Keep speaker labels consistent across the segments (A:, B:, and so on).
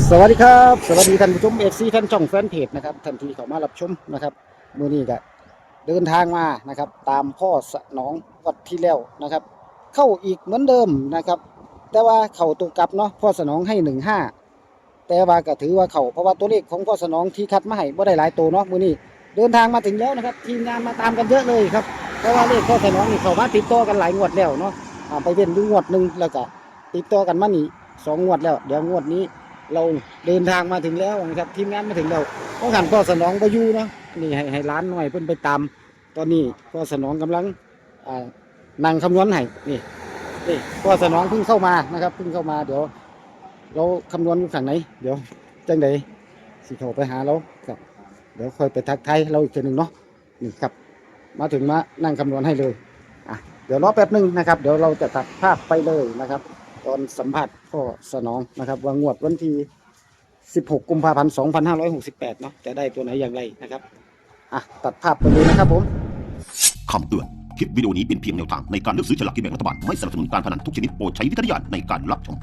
A: สวัสดีครับสวัสดีท่านผู้ชมFCแฟนช่องแฟนเพจนะครับท่านที่เข้ามารับชมนะครับมื้อนี้ก็เดินทางมานะครับตามพ่อสนองวัดที่แล้วนะครับเข้าอีกเหมือนเดิมนะครับแต่ว่าเข้าตัวกลับเนาะพ่อสนองให้15แต่ว่าก็ถือว่าเข้าเพราะว่าตัวเลขของพ่อสนองที่คัดมาให้บ่ได้หลายตัวเนาะมื้อนี้เดินทางมาถึงแล้วนะครับทีมงานมาตามกันเยอะเลยครับเพราะว่าเลขพ่อสนองนี่เข้ามาติดต่อกันหลายงวดแล้วเนาะไปเว้นอยู่งวดนึงแล้วก็ติดต่อกันมานี่2งวดแล้วเดี๋ยวงวดนี้เราเดินทางมาถึงแล้วนะครับทีมงานมาถึงแล้วต้องหันพ่อสนองไปอยู่เนาะนี่ให้ร้านหน่อยเพิ่นไปตามตอนนี้พ่อสนองกำลังนั่งคำนวณให้นี่พ่อสนองเพิ่งเข้ามานะครับเพิ่งเข้ามาเดี๋ยวเราคำนวณอยู่ฝั่งไหนเดี๋ยวจังใดสิโทรไปหาเราครับเดี๋ยวค่อยไปทักทายเราอีกทีหนึ่งเนาะนี่ครับมาถึงมานั่งคำนวณให้เลยเดี๋ยวรอแป๊บนึงนะครับเดี๋ยวเราจะตัดภาพไปเลยนะครับตอนสัมผัสพ่อสนองนะครับว่างวดวันที่16 กุมภาพันธ์ 2568เนาะจะได้ตัวไหนอย่างไรนะครับตัดภาพไปเลยนะครับผม
B: คำเตือนคลิปวิดีโอนี้เป็นเพียงแนวทางในการเลือกซื้อฉลากกินแบ่งรัฐบาลไม่สนับสนุนการพนันทุกชนิดโปรดใช้วิจารณญาณในการรับชม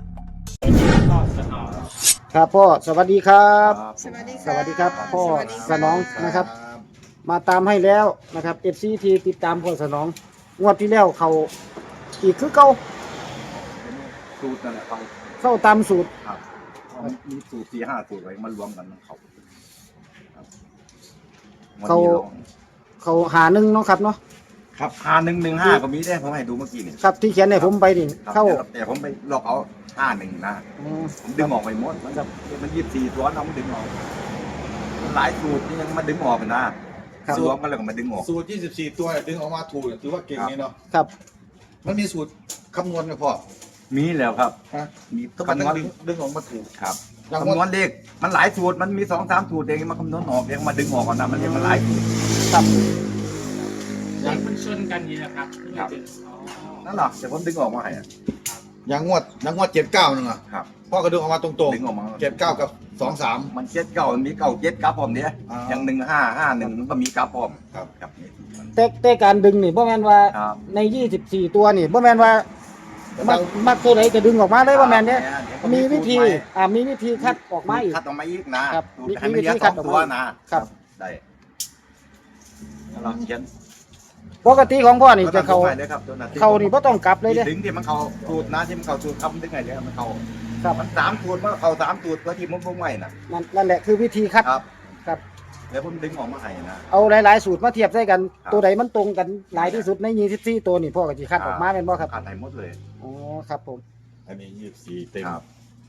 A: ครับพ่อสวัสดีครับ
C: สวัสดี
A: สวัสดีครับพ่อ
C: สวัสดี
A: สนองนะครับมาตามให้แล้วนะครับ FC ที่ติดตามพ่อสนองงวดที่แล้วเขาอีกคือเก่า
D: สูตรนั่นแหละครับ
A: เข้าตามสูตร
D: ครับมีสูตร4-5สูตรไว้มันรวมกันมันเขาครับวันนี้ลอง
A: เขาหาหนึ่งเนาะครับเนาะ
D: ครับ5115ก็มีได้ผมให้ดูเมื่อกี้นี่
A: ครับที่เขียนให้ผมไปนี่
D: ครับ
A: เข้า
D: แต่ผมไปลอกเอา51นะผมดึงออกไปหมดมัน24ตัวน้องมันดึงออกมันหลายสูตรที่ยังมาดึงออกนะครับ รวมกันแล้วก็มาดึงออก
E: สูตร 24 ตัวดึงออกมาถูกถือว่าเก่งนี่เนาะ
A: ครับ
E: มันมีสูตรคำนวณไหมพ่อ
D: มีแล้วครับ
E: ฮะ
D: มี
E: ต้องมา
D: คำนวณ
E: ดึงออกมาถูก
D: ครับ
E: อย่าง
D: คำนวณเลขมันหลายสูตรมันมี2-3สูตรเองมาคำนวณออกเองมาดึงออกก่อนนะมันเรียกมันหลายสูตร
A: ครับ
F: เลขมันชนกันนี่นะครับ
D: ครับ นั่นหรอแต่ผมดึงออกมาให้อะ
E: อย่างงวด79นึงอ่ะ
D: ครับ
E: พ่อก็ดึงออกมาตรง
D: ดึงออกมา
E: ๆ79กับ23
D: มันเก่ามันมีเก่าเจ็ดกับผมเนี่ย
E: อ่า
D: อย่าง1551มันก็มีกับผม
E: ครับ
D: ครับนี่
A: แต่การดึงนี่บ่แม่นว่า
D: ครับ
A: ใน24ตัวนี่บ่แม่นว่ามักตัวไหนจะดึงออกมาเลยบ่แม่นเด้มีวิธีมีวิธีคัดออกมาอีก
D: คัดออกมาอีกนะครับ สูตรให้มันเหลือ
A: มีวิธีคั
D: ส
A: ด
D: อง
A: ออกมา
D: ตัวนะครับได้แล้วเราเขียน
A: ปกติของพ่อนี่จะเขา
D: ดึงให้เลยครับตัวนั้น
A: เขานี่บ่ต้องกลับเลยเด้
D: ดึงที่มันเข้าสูตรนะที่มันเข้าสูตรคำดึงไงเนี่ยมันเข้า
A: ครับ
D: มัน3สูตรมันเข้า3สูตรตัวที่มันบ่งไว้น่ะ
A: นั่นแหละคือวิธีคัด
D: ครับ
A: ครับ
D: แล้วผมดึงออกมาให้นะ
A: เอาหลายๆสูตรมาเทียบใส่กัน
D: ครับ
A: ตัวใดมันตรงกันหลายที่สุดใน24ตัวนี่พ่อก็สิคัดออกมาแม่นบ่ครับ
D: คัดให้หมดเลย
A: อ๋อครับผม
E: อันนี้24เต็ม
D: ครับ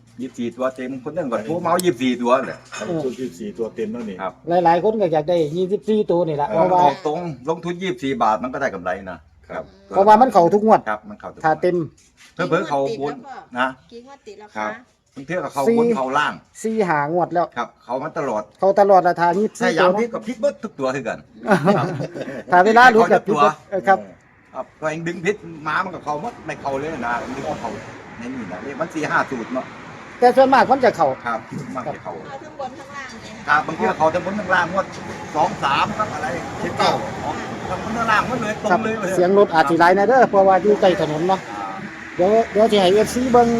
D: 24ตัวเต็มคนหนึงก่อนโทรมาเอา24ตัวเลย
E: อันนี้สูตร24ตัวเต็มแล้วนี่
D: ครับ
A: หลายๆคนก็อยากได้24ตัวนี่แหละเพราะว่า
D: ออกตรงลงทุน24 บาทมันก็ได้กำไรนะครับ
A: เพราะว่ามันเข้าทุกงวด
D: ครับมันเข้าทุก
A: ถ้าเต็ม
D: เพิ่เขาบนนะ
C: กี่งวดติดแล้ว
D: ครั
C: คะ
D: บ บางเทื่อก็เขาบนเขาล่าง
A: 4หางวดแล้ว
D: ครับ เขามันตลอด
A: เขาตลอดราคา
D: ถ้า
A: 24
D: ยา
A: ตัว
D: มพลิ
A: เนาะ
D: กกับพลิกเบิดทุกตัวคือกัน
A: ถ้าเวลารู้กับพี่ครับ
D: ครับตัวเองดึงพิษม้ามันกับเขาหมดไม่เขาเลยนะดึงเขาในนี่นะนี่มัน4-5สูตรเนาะ
A: แต่ส่วนมากมันจะเข้า
D: ครับมากจะเขา
C: เอาทั้งบนทั้งล่างเลย
D: ครับบางทีเขาจะบนข้างล่างหมด2-3ครับอะไร19ทำบนข้างล่างหมดเลยตร
A: ครับ
D: งเลย
A: เสียงรถอาจสิหลายนะเด้อเพราะว่าอยู่ใกล้ถนนเนาะเดี๋ยวสิให้ FC เบิ่ง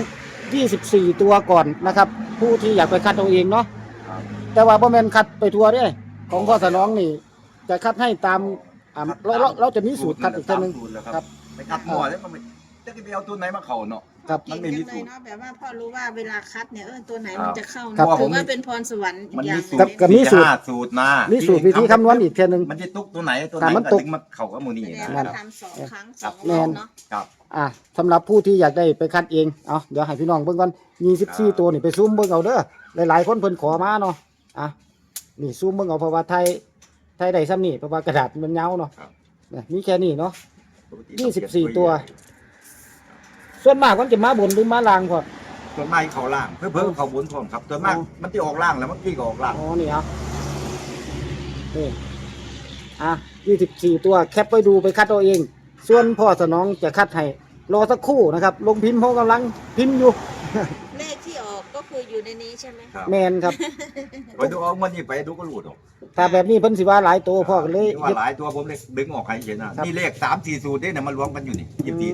A: 24ตัวก่อนนะครับ ผู้ที่อยากไปคัดเอาเองเนาะ
D: ครับ
A: แต่ว่าบ่แม่นคัดไปทั่วเด้ของพ่อสนองนี่ จะคัดให้ตามเราจะมีสูตรคัดอีกทีนึง
D: สูตรแล้ว
A: ค
D: ค
A: รั
D: รับ บไปคัดหม้อแล้วมันไม่จะไปเอาตัวไหนมาเขาเนาะ
A: ครับ
D: มันไม่มีสู
C: เก่ง
D: ตร
C: จังเลยเนาะแบบว่าพ่อรู้ว่าเวลาคัดเนี่ยตัวไหน
D: ครั
C: มัน
D: บ
C: จะเข้า
A: ครับ
C: เนาะถือว่าเป็นพรสวรรค์อี
D: มัน
C: กอย่า
D: มี
C: ง
D: สู
C: ห
D: ต
C: นึ่
D: รง
A: กับมีสูตร
D: 4-5สูตรนะ
A: มีสูตรวิธีคำนวณอีกทีนึง
D: มันจะตุกตัวไหนตัวไหน
A: แต่มัน
D: ก็
A: ตุก
D: ดึงมาเขาก็มูนี่
C: แสด
D: นะ
C: งว่าทำ2 ครั้ง 2
A: แม่
C: รอบ
A: น
C: เนาะ
D: ครับ
A: สำหรับผู้ที่อยากได้ไปคัดเองเอาเดี๋ยวให้พี่น้องเบิ่งก่อน24ตัวนี่ไปซูมเบิ่งเอาเด้อหลายๆคนเพิ่นขอมาเนาะนี่ซูมเบิ่งเอาเพราะว่าไทยได้ซ้ำนี่เพราะว่ากระดาษมันยาวเนาะเนี่ยมีแค่นี้เนาะ24ตัว ส่วนมากมันจะมาบนหรือมาล่างพอ
D: ส่วนมากเขาล่างเพื่อเขาบนพร้อมครับส่วนมากมันที่ออกล่างแล้วมันที่ก็ออกล่าง
A: อ๋อนี่เอานี่24ตัวแคปไว้ดูไปคัดเอาเอง ส่วนพ่อสนองจะคัดให้รอสักครู่นะครับ ลงพิมพ์เพราะกำลังพิมพ์อยู่
C: เลขที่ออกก็คืออยู่ในนี้ใช่ไหม
D: ครับ
A: แมนครับ
D: ไปดูเอามันนี่ไปดูก็รู้ดอก
A: ถ้าแบบนี้เพิ่นสิว่าหลายตัวพ่อก็เลย
D: ว่าหลายตัวผมเลยดึงออกให้เห็นนะนี่เลข3-4สูตรเนี่ยมันรวมกันอยู่นี่24ตัวนี่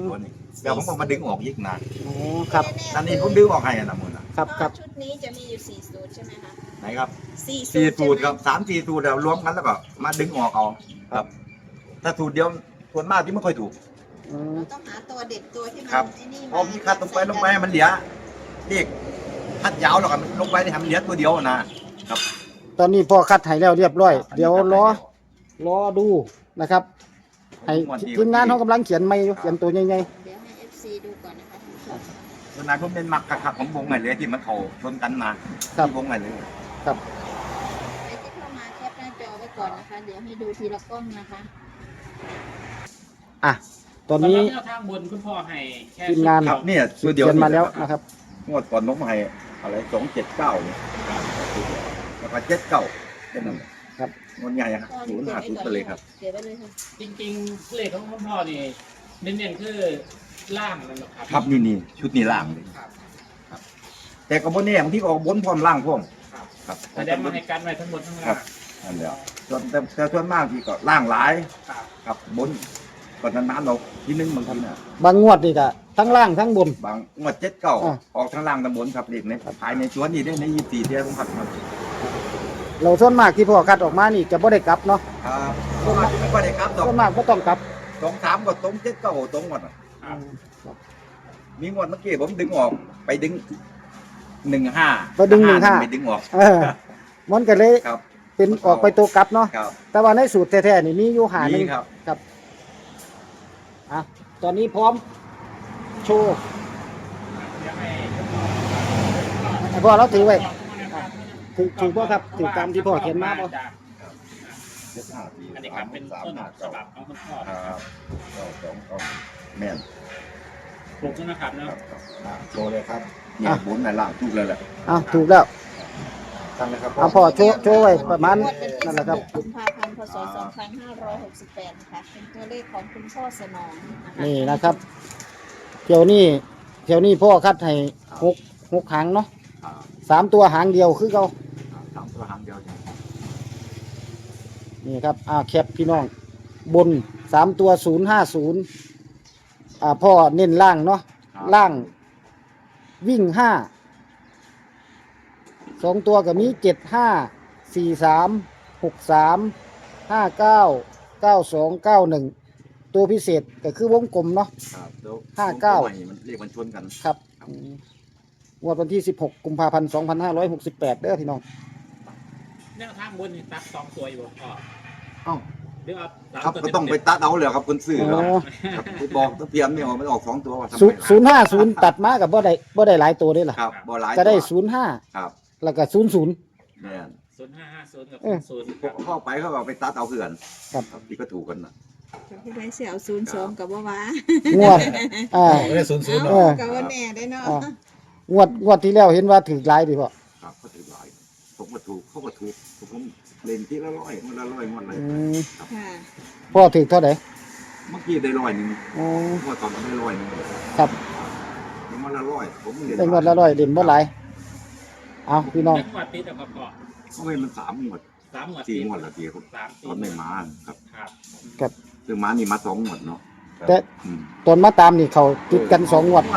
D: เดี๋ยวผมก็มาดึงออกอีกนะ
A: อ๋อครับ
D: นั่นนี่ผมดึงออกให้นะมึงนะครับ
A: ครับ
C: ชุดนี้จะมีอยู่4สูตรใช่ไหมคะ
D: ไหนครับ
C: 4
D: สี่สูตร
C: ใช่ไหม
D: ครับ3-4สูตรแล้วรวมกันแล้วก็มาดึงออกเอาครับ ถ้าสูตรเดียวส่วนมากที่ไม่ค่อยถูก
A: อืม
C: เราต้องหาตัวเด็ดตัวที่มัน
D: ครับ
C: ไอ้นี่
D: พอมีคัดลงไปให้มันเหลือเรียกคัดยาวแล้วก็ลงไปให้มันเหลือตัวเดียวนะครับ
A: ตอนนี้พ่อคัดให้แล้วเรียบร้อย เดี๋ยวรอดูนะครับให้ทีมงานเขากำลังเขียนไม่อยู่เขียนตัวใหญ่
C: เดี๋ยวให้ FC ดูก่อนนะคะคุณผู้ชม
D: ส่วนนายผมเป็นมักคักๆของวงไหนเลยที่มันเขาชนกันมาที่วงไหนเลย
A: ๆครับ
C: ใครที่เข้ามาแคปหน้าจอไว้ก่อนนะคะ เดี๋ยวให้ดูทีละกล้องนะคะ
A: อ่ะตอนนี้
F: สำหรับแนวทางบนคุณพ่อให้แค่
A: ทีมงาน
D: ครับเนี่ยตัวเดียว
A: เขียนมาแล้วนะครับ
D: งวดก่อนน้องมาให้อะไร279เนี่ยแล้วก็79เป็นนั่น
A: ครับ
D: งวดใหญ่ฮะ050ไปเลยครับ
C: เดี๋ยวไปเลยค่ะ
F: จริงๆเลขของคุณพ่อนี่เน้นๆคือล่างนั่นแหละครับ
D: ครับนี่ชุดนี้ล่างเลย
F: ครับ
D: แต่ก็บนนี้บางทีก็ออกบนพร้อมล่างพร้อม
F: ครับ
D: ครับ
F: แสดงมาให้กันไว้ทั้งหมดทั้ง
D: ครั
F: ล่า
D: บ
F: ง
D: นั่นแหละแต่ส่วนมากที่ก็ล่างหลาย
F: ครับ
D: ครับบนก่อนนานๆเราทีนึงบางทีน่ะ
A: บางงวดนี่ก็ทั้งล่างทั้งบน
D: บางงวด79
A: อ่า
D: ออกทางล่างตำบลครับเด็กในภายในสวนนี่ได้ใน24เดือนผมขัดมา
A: เราส่วนมากที่พ่อคัดออกมานี่จะบ่ได้กลับเนาะ
D: ครับส่วนมากไม่ค่อยได้ครับดอก
A: ส่วนมากบ่ต้องกลับ
D: 2-3ก็ตรง79ตรงหมดอะ
F: ครับ
D: มีงวดเมื่อกี้ผมดึงออกไปดึง15
A: ไปดึง15
D: ไปดึงออก
A: เออมันก็เลย
D: ครับ
A: เป็นออกไปตัวกลับเนาะ
D: ครับ
A: แต่ว่าในสูตรแท้ๆนี่มีอยู่หาหนึ
D: นี่
A: ง
D: ครับ
A: ครับอ่ะตอนนี้พร้อมโชว์
F: เดี๋ยวให้
A: ให้พ่อเราถือไว้ถือบ่ครับถือตามที่พ่อเขียนมาบ่
F: อันนี้ครับเป็นต้นฉบับของคุณพ่อ
D: ครับก็แม่น
F: ปลูกนะครับเนาะ
E: โชว์เลยครับ
D: เนี่ยบนในล่างทุกเลยแหละ
A: อ่ะถูกแล้ว
E: ตั้งเลยครับ
A: เอาพ่อโชว์ไว้ประมาณ
C: งวดวันที่
A: นั่นแหละครับ
C: 16กุมภาพันธ์พศ2568นะคะ เป็นตัวเลขของคุณพ่อสนองนะคะ
A: นี่นะครับเที่ยวนี้พ่อคัดให้หกหางเนาะ3 ตัวหางเดียวคือเขา
D: สามตัวหางเดียวจ้ะ
A: นี่ครับแคปพี่น้องบน3 ตัว050พ่อเน้นล่างเนาะล่างวิ่ง2 ตัวก็มี75 43 63 59 92 91 ตัวพิเศษก็คือวงกลมเนาะ
D: ครับแล้ว
A: 59
D: มันเรียกมันชนกัน
A: ครับงวดวันที่ 16 กุมภาพันธ์ 2568 เด้อพี่น้อง
F: แนวทางบนนี่ตัด2ตัวอยู่บ่พ่อ
D: เอ้า
F: หรือเอาสาม
D: ครับ
F: ตัว
D: ก็ต้องไปตัดเอาเลยครับคนซื้อ
A: อ๋
D: ครับ
A: อ
D: ครับไปบอกตะเพียมเนี่ยมันออก2ตัวว่าทำไม
A: 050 ตัดมากับบ่ได้หลายตัวเด้ล่ะ
D: ครับบ่หลาย
A: จะได้
D: ตัว
A: 05
D: ครับ
A: แล้วก็00
D: แม่น
F: 0550กับ
D: พวกเข้าไปเขาก็เอาไปตัดเอาเพื่อน
A: ครับ
D: ที่ก็ถูกกันนะ
C: ผู้ใดเสียเอา02กับว่าว้าง
A: วดอ่า
E: ไม่ได้ศูนย์
A: เออ
C: กับว่าแน่ได้เนาะ
A: งวดที่แล้วเห็นว่าถือหลายดิพ่อ
D: ครับก็ถือหลายผมก็ถูกเขาก็ถูกผมเล่นที่ละ100มันละ100มันเลย
A: อืม
C: ค่ะ
A: พ่อถือเท่าไหร่
D: เมื่อกี้ได้100นึง
A: อ๋อ
D: เมื่อตอนก็ได้100นึง
A: ครับ
D: มันละ100ผมเล่น
A: ได้งวดละ100เด่นบ่หลายเอาพี่น้อง
F: จังหวัดติดกับพ่อ
D: เขาไม่มัน3งวด
F: 3หมวด
D: 4งวดละทีครับ
F: 3
D: ตอนไม่มาครับ
F: ครับ
A: ครับ
D: ซึ่งมานี่มา2งวดเนาะ
A: แต่
D: อืม
A: ตอนมาตามนี่เขาติดกัน2 งวด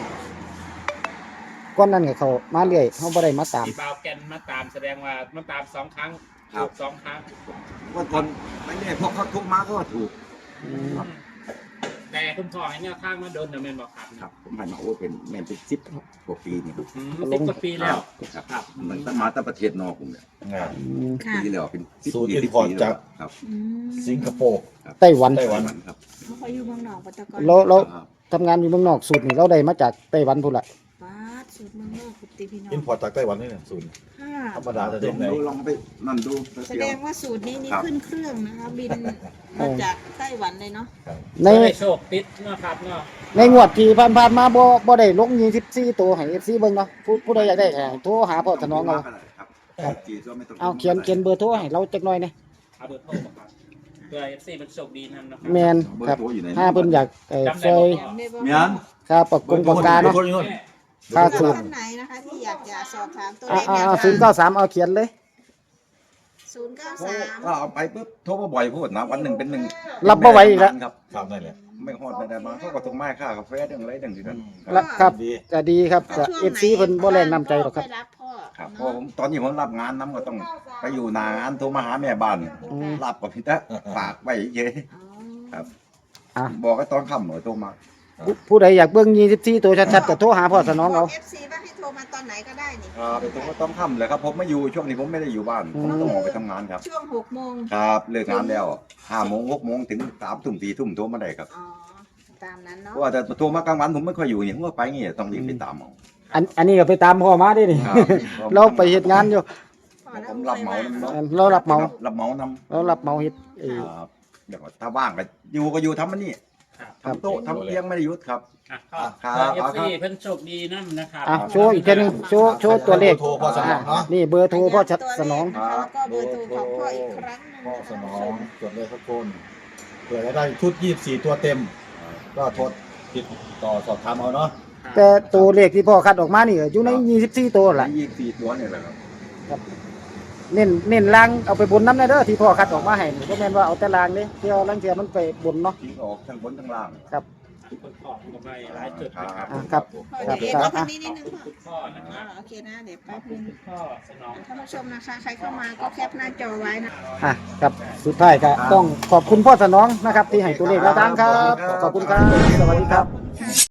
A: ก้อนนั้นก็เขามาเรื่อยเฮาบ่ได้มาตาม
F: ที่เบาแกนมาตามแสดงว่ามาตาม2ครั้งถูก2ครั้ง
D: ว่าตอนไม่แน่พวกเขาทุกมาก็ถูก
A: อืม
F: แต่คุณพ่อให้แนวทางมาโดนเดอะเมนบอกครับ
D: ครับผมให้มาโอ้เป็นแม่นเป็น10กว่าปีนี่ครับ
F: 10 กว่าปีแล้ว
D: ครับ
F: ครับ
D: มันตั้งมาตั้งประเทศนอกผมเนี่ย
A: อืม
C: ค่ะ
D: ปีแล้วเป็น10
E: ศูนย์
D: ปี
E: อิน
D: 10
E: พอร์ต
D: ปี
E: จาก
D: ครับ
C: อืม
E: สิงคโปร์
A: ไต้หวัน
E: ไต้หวัน
D: ครับ
C: เขาอยู่เมืองนอกปัตตกร
A: เรา
D: ครับ
A: ทำงานอยู่เมืองนอกสูตรนี่เราได้มาจากไต้หวันพุ่นละ
C: ป้าดสูตรเมืองนอกกุฏิพี่น้อง
E: อินพอร์ตจากไต้หวันนี่เนี่ยศูนย์
C: ค่ะ
E: ธรรมดาจะ
D: ล
E: เด็
D: อก ง
E: ไหน
D: ดูลองไปนั่นดู
C: แสดงว่าสูตรนี้นี่
D: ครับ
C: ขึ้นเครื่องนะคะ บินมาจากไต้หวันเลยเนาะ
A: ใน
F: ได้โชคติดเนาะครับเนาะ
A: ในงวดที่ผ่านๆมาบ่ได้ลง24ตัวให้ FC เบิ่งเนาะผู้ใดอยากได้ก็โทรหาพ่อถนอมเอา
D: ครับจีนก็ไม่ต้อง
A: เอาเขียนเบอร์โทรให้เราจักหน่อยนะ
F: เอาเบอร์โทรบอกครับเพื่อ FC มันโชคดีนั่นเนาะ
A: แมน
D: เบอ
A: ครับ
D: ร์โทรอยู่ไหน
A: ถ้าเพิ่นอยาก
F: จำ
A: ซ
F: ได้
A: อย
F: บ่
C: จำได้บ่
D: เมียน
A: ค่าปากกาเนาะ ค่าสูตร
C: ท่านไหนนะคะที่อยากจะสอบถามตัว
A: อ่า
C: เลขแนวทาง
A: 093เอาเขียนเลย
C: 093
D: ก็เอาไปปุ๊บโทรมาบ่อยพูดนะวันหนึ่งเป็นหนึ่ง
A: รับบ่ไหวอีกแล้ว
D: ครับ
E: ครับนั่นแหละ
D: ไม่ไม่ฮอดไม่ได้มาเขาก็ต้องมาค่ากาแฟเรื่องอะไรเรื่องที่นั่น
A: แล้วครับ
E: ดี
A: ก็ดีครับ
C: ถ้า
A: ก็
C: ช่วงไหน
A: FC เพิ่นบ่แรงน้ำใจหรอกครับ
C: พ่อรับพ่อ
D: ครับเพ
C: เนาะ
D: ราะผมตอนนี้ผมรับงานน้ำก็ต้องไปอยู่หน้างานโทรมาหาแม่บ้าน
A: อืม
D: รับกับพี่ตะฝากไว้เยอะ
C: อ๋อ
D: ครับ
A: อ่ะ
D: บอกก็ตอนค่ำหน่อยโทรมา
A: ผู้ใดอยากเบิ่ง24ตัวชัดๆก็โทรหาพ่อสนองเอา
C: เอฟซีว่าให้โทรมาตอนไหนก็ได้นี่
D: ครับตรงก็ต้องค่ำเลยครับผมไม่อยู่ช่วงนี้ผมไม่ได้อยู่บ้าน
A: อื
D: ผม มต้องออกไปทำงานครับ
C: ช่วง6 โมง
D: ครับเลิกงานแล้ว5 โมง 6 โมงถึง3 ทุ่ม 4 ทุ่มโทรมาได้ครับ
C: อ๋อตามนั้น
D: เพ
C: เนาะ
D: ราะว่าแต่โทรมากลางวันผมไม่ค่อยอยู่อย่างผมก็ไปเงี้ยต้องรีบไปตามเอา
A: อันนี้ก็ไปตามพ่อมาได้นี่
D: ครับ
A: เราไปเฮ็ดงานอยู่
C: พ่อแล้ว
D: ผมรับเหมา
C: ไม่ว่าง
D: นำ
A: เรารับเหมา
D: รับเหมานำ
A: เรารับเหมาเฮ็ดเออ
D: ครับเดี๋ยวถ้าว่างก็อยู่ทำมันนี่
A: ครับ
D: ทำโต๊ะทำเตียงไม่ได้หยุดครับ
F: ครับ
D: ครับ
F: เอฟซีเพิ่นโชคดีนั่นนะครับ
A: อ่ะโชว์อีกแค่นึงโชว์ตัวเลข
E: โทรพ่อสนองเนาะ
A: นี่เบอร์โทรพ่อชัดสนอง
C: นะคะแล้วก็เบอร์โทรของพ่ออีกครั้งหนึง
E: พ่อ
C: นะคะ
E: สนอ
C: ท่าน
E: ง
C: ผู้ชม
E: จดเลยครับคนเผื่อจะได้ชุด24ตัวเต็ม ก็โทรติดต่อสอบถามเอาเนาะ
A: แต่ตัวเลขที่พ่อคัดออกมานี่ก็อยู่ใน24ตัว
D: ห
A: ล่ะ
D: ลาย24 ตัวเนี่ยแหละครับ
A: เน้นล่างเอาไปบนน้ำได้เด้อที่พ่อคัดออกมาให้นี่บ่แม่นว่าเอาแต่ล่างเด้เที่ยวลังเที่ยมันไปบนเนาะ
D: ทิ้งออกทั้งบนทั้งล่าง
F: คุณพ่อก็ไปหลายจุดนะครับ
A: อ่ะครับ
C: พ่อเดี๋ยวเอ็นมาทางนี้นิดนึงพ่อ
F: คุณพ่อนะค
C: อ๋อ
F: รับ
C: โอเคนะเดี๋ยว
F: ข
C: แป๊
F: อบบ คุ
C: นึ
F: ณ
C: ง
F: คุณพ่อสนอง
C: ท่านผู้ชมนะคะใครเข้ามาก็แคปหน้าจอไว้นะ
A: อ่ะครับสุดท้ายก็ต้องขอบคุณพ่อสนองนะครับ ที่ให้ตัวเลขแนวทางครับ ขอบคุณครับ สวัสดีครับ